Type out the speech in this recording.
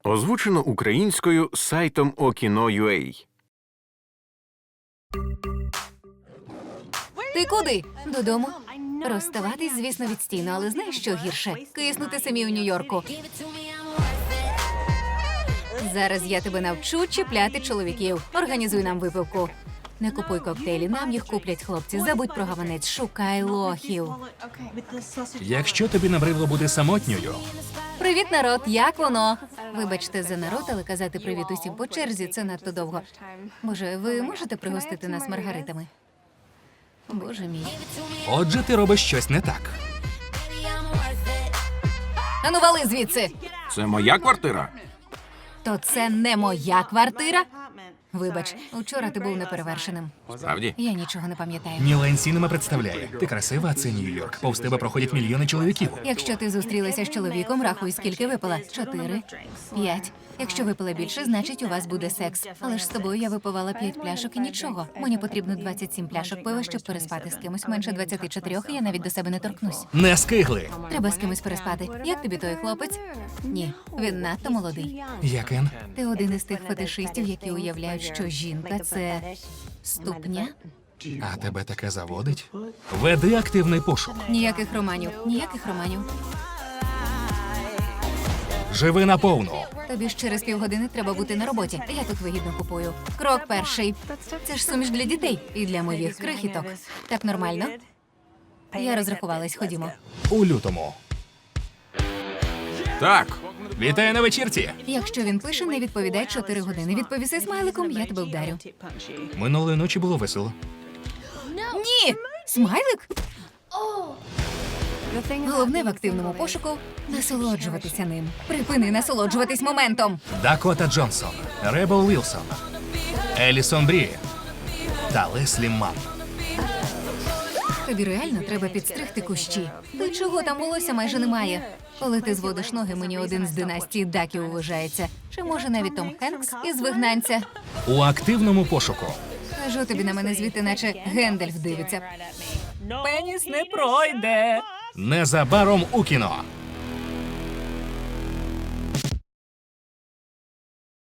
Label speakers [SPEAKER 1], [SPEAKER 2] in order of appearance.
[SPEAKER 1] Озвучено українською сайтом Okino.ua.
[SPEAKER 2] Ти куди? Додому? Розставатись, звісно, відстійно, але знаєш, що гірше? Киснути самі у Нью-Йорку. Зараз я тебе навчу чіпляти чоловіків. Організуй нам випивку. Не купуй коктейлі, нам їх куплять хлопці. Забудь про гаванець, шукай лохів.
[SPEAKER 3] Якщо тобі набридло бути самотньою,
[SPEAKER 2] Привіт, народ, як воно? Вибачте за народ, але казати привіт усім по черзі – це надто довго. Боже, ви можете пригостити нас маргаритами? Боже мій.
[SPEAKER 3] отже, ти робиш щось не так.
[SPEAKER 2] Ану, вали звідси!
[SPEAKER 1] Це моя квартира?
[SPEAKER 2] То це не моя квартира? Вибач, учора ти був неперевершеним.
[SPEAKER 1] Справді?
[SPEAKER 2] Я нічого не пам'ятаю.
[SPEAKER 3] Нілен Сінема представляє. Ти красива, а це Нью-Йорк. Повз тебе проходять мільйони чоловіків.
[SPEAKER 2] Якщо ти зустрілася з чоловіком, рахуй, скільки випила. 4, 5. Якщо випила більше, значить у вас буде секс. Але ж з тобою я випивала 5 пляшок і нічого. Мені потрібно 27 пляшок пива, щоб переспати з кимось. Менше 24, і я навіть до себе не торкнусь.
[SPEAKER 3] Не скигли.
[SPEAKER 2] Треба з кимось переспати. Як тобі той хлопець? Ні, він надто молодий.
[SPEAKER 3] Я Кен.
[SPEAKER 2] Ти один із тих фетишистів, які уявляють, що жінка – це ступня.
[SPEAKER 3] А тебе таке заводить? Веди активний пошук.
[SPEAKER 2] Ніяких романів, ніяких романів.
[SPEAKER 3] Живи наповну.
[SPEAKER 2] Тобі ж через півгодини треба бути на роботі. Я тут вигідно купую. Крок перший. Це ж суміш для дітей і для моїх крихіток. Так нормально? Я розрахувалась, ходімо.
[SPEAKER 3] У лютому.
[SPEAKER 1] Так.
[SPEAKER 3] Вітаю на вечірці.
[SPEAKER 2] Якщо він пише, не відповідай 4 години. Відповіси смайликом, я тебе вдарю.
[SPEAKER 3] Минулої ночі було весело.
[SPEAKER 2] Ні! Смайлик? Головне в активному пошуку – насолоджуватися ним. Припини насолоджуватись моментом.
[SPEAKER 3] Дакота Джонсон, Ребел Вілсон, Елісон Брі та Леслі Манн.
[SPEAKER 2] Тобі реально треба підстригти кущі. Ти чого, там волосся майже немає? Коли ти зводиш ноги, мені один з династії Даків вважається. Чи може навіть Том Хенкс із «Вигнанця»?
[SPEAKER 3] У активному пошуку.
[SPEAKER 2] Кажу тобі на мене звідти, наче Гендальф дивиться. Пеніс не пройде.
[SPEAKER 3] Незабаром у кіно.